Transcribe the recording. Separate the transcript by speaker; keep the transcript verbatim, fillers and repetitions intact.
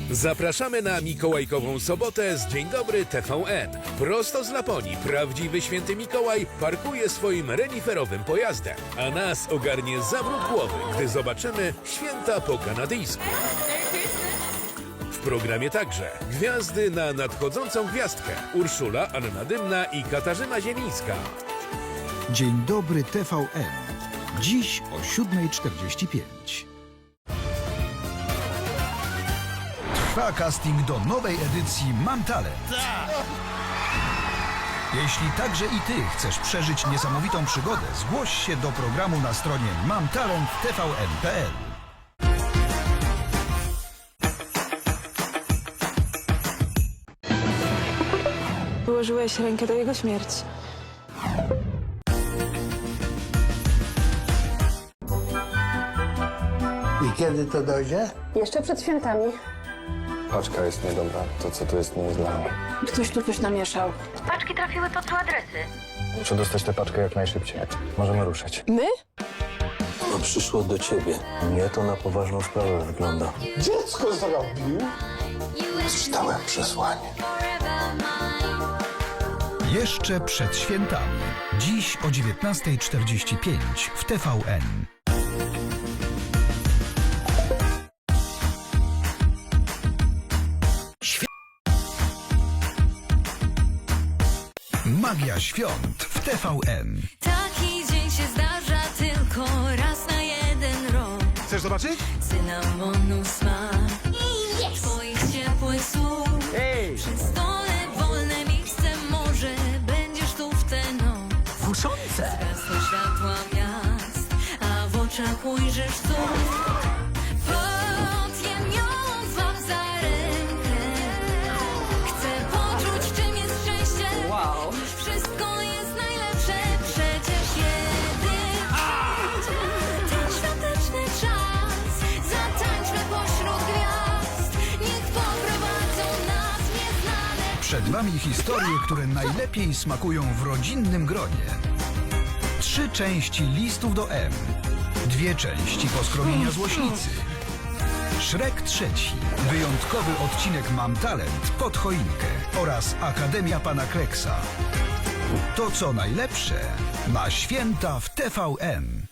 Speaker 1: Zapraszamy na Mikołajkową sobotę z Dzień Dobry T V N. Prosto z Laponii prawdziwy święty Mikołaj parkuje swoim reniferowym pojazdem, a nas ogarnie zawrót głowy, gdy zobaczymy święta po kanadyjsku. W programie także gwiazdy na nadchodzącą gwiazdkę. Urszula, Anna Dymna i Katarzyna Ziemińska.
Speaker 2: Dzień Dobry T V N. Dziś o siódma czterdzieści pięć. Trwa casting do nowej edycji Mam Talent. Jeśli także i ty chcesz przeżyć niesamowitą przygodę, zgłoś się do programu na stronie mam talent t v n kropka p l.
Speaker 3: Wyłożyłeś rękę do jego śmierci.
Speaker 4: I kiedy to dojdzie?
Speaker 3: Jeszcze przed świętami.
Speaker 5: Paczka jest niedobra. To, co tu jest, nie jest dla mnie.
Speaker 3: Ktoś tu coś namieszał.
Speaker 6: Paczki trafiły pod złe adresy.
Speaker 5: Muszę dostać tę paczkę jak najszybciej. Możemy ruszać.
Speaker 3: My?
Speaker 7: To przyszło do ciebie.
Speaker 5: Nie, to na poważną sprawę wygląda.
Speaker 4: Dziecko zrobił?
Speaker 7: Przeczytałem przesłanie.
Speaker 2: Jeszcze przed świętami. Dziś o dziewiętnasta czterdzieści pięć w T V N. Magia świąt w T V N.
Speaker 8: Taki dzień się zdarza tylko raz na jeden rok.
Speaker 4: Chcesz zobaczyć?
Speaker 8: Cynamonu smak i yes. Twoich ciepłych słów.
Speaker 4: Hej!
Speaker 8: Przy stole wolne miejsce, może będziesz tu w tę noc.
Speaker 4: Kuszące!
Speaker 8: Zgasły światła miast, a w oczach ujrzysz cud. Podjem ją złap za rękę. Chcę poczuć, czym jest szczęście. Wow. Już wszystko jest najlepsze. Przecież jeden przyjdzie ten świąteczny czas. Zatańczmy pośród gwiazd. Niech poprowadzą nas nieznane.
Speaker 2: Przed wami historie, które najlepiej smakują w rodzinnym gronie. Trzy części Listów do M. Dwie części Poskromienia Złośnicy. Shrek trzeci. Wyjątkowy odcinek Mam Talent pod choinkę. Oraz Akademia Pana Kleksa. To co najlepsze na święta w T V N.